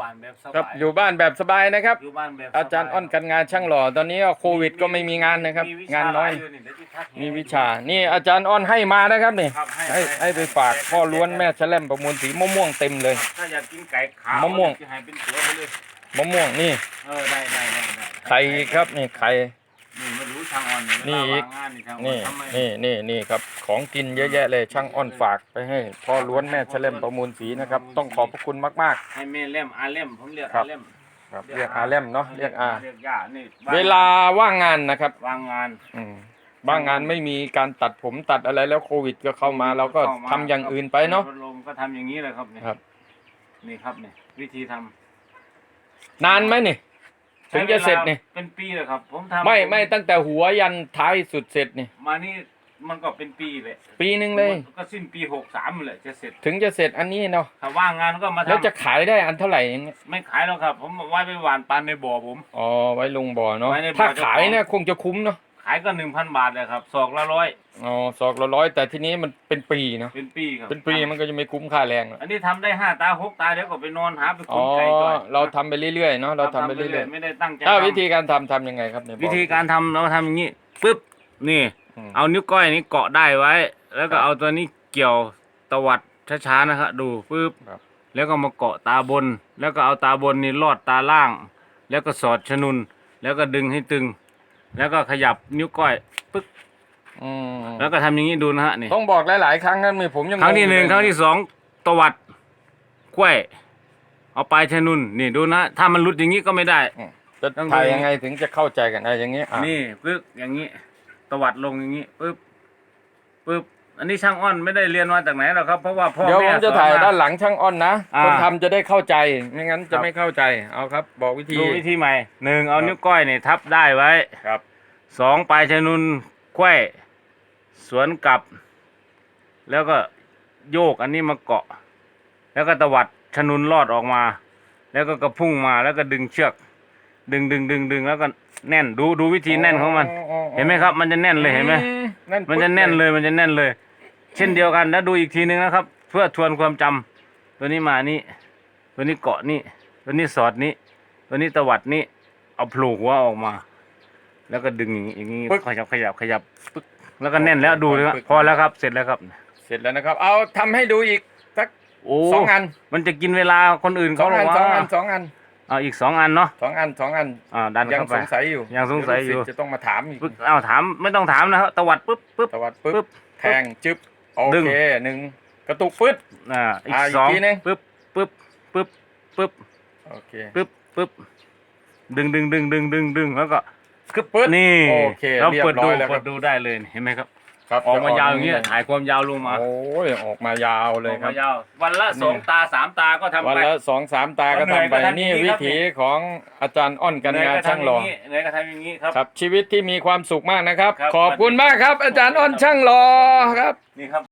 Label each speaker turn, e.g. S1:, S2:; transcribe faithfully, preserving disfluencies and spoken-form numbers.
S1: บ้านแบบส
S2: ครับ
S1: บาย
S2: อยู่บ้านแบบสบายนะครับ
S1: อยู่บ้านแบบ
S2: อาจารย์อ้อนกันงานช่างหล่อตอนนี้โควิดก็ไม่มีงานนะครับ
S1: มีวิ
S2: งาน
S1: ช
S2: น้อย
S1: หลเดี๋วเดี๋ยวที่ทักให้
S2: มีวิชา นี่อาจารย์อ้อนให้มานะครับนี่
S1: ครับ
S2: ให้ให้ไปฝากพ่อล้วนแม่แชล่มประมวลสีมะม่วงเต็มเลย
S1: ถ้าอยากกินไก่ขาว
S2: มะม่วง
S1: จะให้เป็นตัวไปเลย
S2: มะม่วงนี่
S1: เออได้ได้ได้ได้
S2: ไข่ครับนี่ไข่
S1: นี่มาดูทางอ่อน
S2: นี่อีก
S1: เวลาวางงานนี่ทางอ่อ
S2: นี่
S1: ทำไม
S2: นี่นี่นี่ครับของกินเยอะแยะเลยช่างอ้อนฝากไปให้พ่อล้วนแม่แชล่มประมวลสีนะครับ ต้องขอบพระคุณมาก
S1: ให้แม่เล่มอาเล่มผมเรียก
S2: ครั
S1: อา
S2: บ
S1: เล่ม
S2: ๆครับเรียกอาแลมเนาะเรียกอา
S1: เรียกย่านี่
S2: เวลาว่างงานนะครับ
S1: วางงาน
S2: อืมบ้างงานไม่มีการตัดผมตัดอะไรแล้วโควิดก็เข้ามาเราก็ทำอย่างอื่นไปเนาะ
S1: พัดลมก็ทำอย่างนี้เลยครับเนี่ย
S2: ครับ
S1: นี่ครับเนี่ยวิธีทำ
S2: นานไหมนี่ถึงจะเสร็จนี่
S1: เป็นปีเลยครับ ผมทำ
S2: ไม่ไม่ตั้งแต่หัวยันท้ายสุดเสร็จนี่
S1: มานี่มันก็เป็นปีเลย
S2: ปีหนึ่งเลย
S1: ก็สิ้นปีหกสามเลยจะเสร็จ
S2: ถึงจะเสร็จอันนี้เนาะ
S1: ถ้าว่างงานก็มาทำ
S2: แล้วจะขายได้อันเท่าไหร่อย่างเงี้ย
S1: ไม่ขายแล้วครับ ผมเอาไว้ไปหวานปลาในบ่อผม
S2: อ๋อไว้ลงบ่อเนาะ
S1: ไว้ในบ่อ
S2: ถ้าขายเนี่ยคงจะคุ้มเนาะ
S1: ขายก็หนึ่งพันบาทเลยครับศอกละร้อย
S2: อ๋อสอกละร้อยแต่ทีนี้มันเป็นปีเนาะ
S1: เป็นปีครับ
S2: เป็นปีมันก็จะไม่คุ้มค่าแรงหรอก
S1: อันนี้ทำได้ห้าตาหกตาเดี๋ยวก็ไปนอนหาไป
S2: อ๋
S1: ขุ
S2: อ
S1: ดไก่จ่อย
S2: เราทำไปเรื่อยๆเนาะเราทำไปเรื่อย
S1: ไม่ได้ตั้งใจ
S2: ๆถ้า
S1: ทำ
S2: วิธีการทำทำยังไงครับเนี่ยบอก
S1: วิธีการทำเราทำอย่างนี้ปึ๊บนี่
S2: อืม
S1: เอานิ้วก้อยนี้เกาะได้ไว้ แล้วก็
S2: ครับ
S1: เอาตัวนี้เกี่ยวตวัดช้าๆนะครับดูปึ๊บ
S2: ครับ
S1: แล้วก็มาเกาะตาบน แล้วก็เอาตาบนนี่ลอดตาล่าง แล้วก็สอดชนุน แล้วก็ดึงให้ตึง แล้วก็ขยับนิ้วก้อยปึ๊บ
S2: อืม
S1: แล้วก็ทำอย่างนี้ดูนะฮะนี่
S2: ต้องบอกหลายๆครั้งนั้นผมยัง
S1: ครั้งที่หนึ่ง
S2: เลย
S1: ครั้งที่สองตวัดกล้วยเอาปลายชนุนนี่ดูนะ ถ้ามันหลุดอย่างนี้ก็ไม่ได้
S2: อืมจะ
S1: ต้อง
S2: ถ่าย
S1: ดู
S2: ยังไงถึงจะเข้าใจกันได้อย่างนี้อ่ะ
S1: นี่ปึ๊บอย่างนี้ ตวัดลงอย่างนี้ปึ๊บปึ๊บอันนี้ช่างอ้อนไม่ได้เรียนมาจากไหนหรอกครับเพราะว่าพ่อ
S2: เดี๋ยว
S1: แม่
S2: ผมจะ
S1: สอน
S2: ถ่าย
S1: มา
S2: ด้านหลังช่างอ้อนนะ
S1: อ่า
S2: คนทำจะได้เข้าใจไม่งั้น
S1: ครั
S2: จะ
S1: บ
S2: ไม่เข้าใจเอาครับ บอกวิธี
S1: ดูวิธีใหม่หนึ่งเอา
S2: ครับ
S1: นิ้วก้อยเนี่ยทับได้ไว้
S2: ครับ
S1: สองปลายชนุนไขว้สวนกลับ แล้วก็โยกอันนี้มาเกาะ แล้วก็ตวัดชนุนลอดออกมา แล้วก็กระพุ่งมาแล้วก็ดึงเชือก ดึงดึงดึงดึงแล้วก็แน่นดูดูวิธีแน่นของมัน เห็นไหมครับ มันจะแน่นเลยเห็นไหม
S2: อืแ
S1: มันจะแน่นเลยมันจะแน่นเลย เช่นเดียวกันแล้วดูอีกทีนึงนะครับ เพื่อทวนความจำตัวนี้มานี่ตัวนี้เกาะนี่ตัวนี้สอดนี่ตัวนี้ตวัดนี่เอาโผล่หัวออกมา แล้วก็ดึงอย่างนี้อย่างนี้
S2: ปึ๊ก
S1: ขยับขยับขยับปึ๊กแล้วก็แน่นแล้วดูเลยครับ
S2: ปึ๊ก
S1: พอแล้วครับเสร็จแล้วครับ
S2: เสร็จแล้วนะครับ เอาทำให้ดูอีกสัก
S1: โอ้
S2: สองอัน
S1: มันจะกินเวลาคนอื่น
S2: สอ
S1: เขา
S2: ง
S1: หร
S2: อั
S1: อน ก
S2: สองอั
S1: ว่าน
S2: สองอัน
S1: เอาอีกสองอันเนาะ
S2: สองอันสองอัน
S1: อ่าดัน
S2: ยัง
S1: เข้าไป
S2: สงสัยอยู่
S1: ยังสงสัยอยู่
S2: เดี๋วลูกศิษจะต้องมาถามอีก
S1: ปึ๊กเอาถามไม่ต้องถามนะครับตวัดปึ๊บปึ๊บ
S2: ตวัดปึ๊
S1: ปึ๊
S2: บบ แทงจึ๊บโอ
S1: ดึง
S2: เคหนึ่งกระตุกปึ๊ด
S1: อ่าอีก
S2: อ่าอีก
S1: สอง
S2: ทีนึง
S1: ปึ๊บปึ๊บปึ๊บปึ๊บ
S2: โอเค
S1: ปึ๊บปึ๊บดึงดึงดึงดึงดึงดึงแล้วก็
S2: คือปึ๊ด
S1: นี่
S2: โอเค
S1: เรา
S2: เรียบ
S1: เปิด
S2: ร้
S1: ดู
S2: อยแล้วค
S1: เปิ
S2: รับ
S1: ดดูได้เลยเห็นไหมครับ
S2: ครับ
S1: ออกมายาวอย่าง
S2: นี้
S1: เงี้ยถ่ายความยาวลงมา
S2: โอ้ยออกมายาวเลย
S1: ออก
S2: ครั
S1: มา
S2: บ
S1: ยาววันละสอง
S2: นี่
S1: ตาสามตาก็ทำ
S2: วัน
S1: ไป
S2: ละสองสามตาก็
S1: เหนื่อย
S2: ทำไป
S1: ก็ทำอย่าง
S2: นี่
S1: นี้
S2: วิ
S1: ครับ
S2: ถีของอาจารย์อ้อนกัน
S1: เหนื่อย
S2: งาน
S1: ก็
S2: ช่าง
S1: ทำอ
S2: หล่อย่าง
S1: นี้เหนื่อยก็ทำอย่างนี้ครับ
S2: ครับ ชีวิตที่มีความสุขมากนะครับ
S1: ครับ
S2: ขอบคุณมากครับ อาจารย์อ้อนช่างหล่อครับ
S1: นี่ครับ